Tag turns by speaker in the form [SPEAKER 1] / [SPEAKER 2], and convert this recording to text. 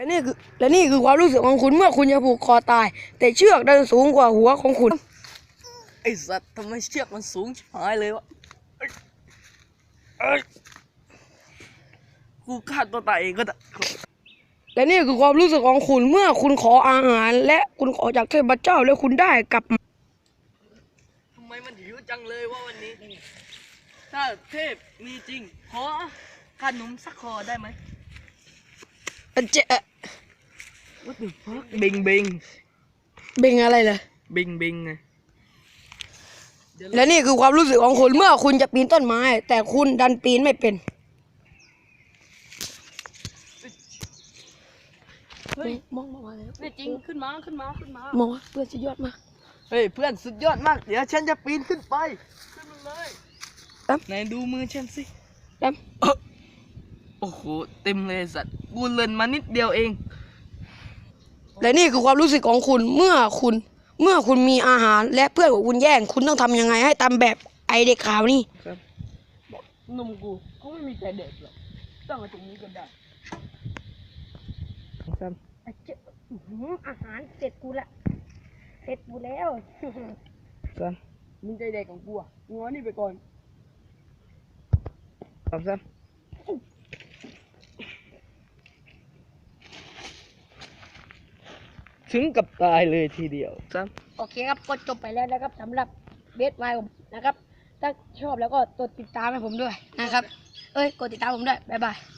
[SPEAKER 1] และนี่คือความรู้สึกของคุณเมื่อคุณจะผูกคอตายแต่เชือกดันสูงกว่าหัวของคุณ
[SPEAKER 2] ไอสัตว์ทำไมเชือกมันสูงชิบหายเลยวะกูฆ่าตัวตายเองก็ได้
[SPEAKER 1] และนี่คือความรู้สึกของคุณเมื่อคุณขออาหารและคุณขอจากเทพเจ้าแล้วคุณได้กลับมา
[SPEAKER 2] ทำไมมันหิวจังเลยวะวันนี้ถ้าเทพมีจริงขอขนมสักคอได้ไหม
[SPEAKER 1] เจ๊ะ
[SPEAKER 2] What the fuck บิงบิง
[SPEAKER 1] เบงอะไรเลย
[SPEAKER 2] บิงบิงไง
[SPEAKER 1] และนี่คือความรู้สึกของคุณเมื่อคุณจะปีนต้นไม้แต่คุณดันปีนไม่เป็น
[SPEAKER 2] เฮ้ย
[SPEAKER 1] มองมาแล้ว
[SPEAKER 2] นี่จริงขึ้นมาม
[SPEAKER 1] องว่าเพื่อนสุดยอดมาก
[SPEAKER 2] เฮ้ยเพื่อนสุดยอดมากเดี๋ยวฉันจะปีนขึ้นไปขึ้นมาเลยไหนดูมือฉันสิโอ้โหเต็มเลยสัตว์กูเลินมานิดเดียวเอง
[SPEAKER 1] และนี่คือความรู้สึกของคุณเมื่อคุณมีอาหารและเพื่อนของคุณแย่งคุณต้องทำยังไงให้ตามแบบไอเด็กขาวนี่
[SPEAKER 2] ครับนมกูเขาไม่มีใจเด็กหรอกต้องมาตรงนี้ก็ได้ครับ
[SPEAKER 1] อาหารเสร็จกูละเสร็จกูแล้ว
[SPEAKER 2] ครับมึงใจเด็กของกูอ่ะงอนี่ไปก่อนครับถึงกับตายเลยทีเดียวครับ
[SPEAKER 1] โอเคครับก็จบไปแล้วนะครับสำหรับเบสไวผมนะครับถ้าชอบแล้วก็กดติดตามให้ผมด้วยนะครับกดติดตามผมด้วยบ๊ายบาย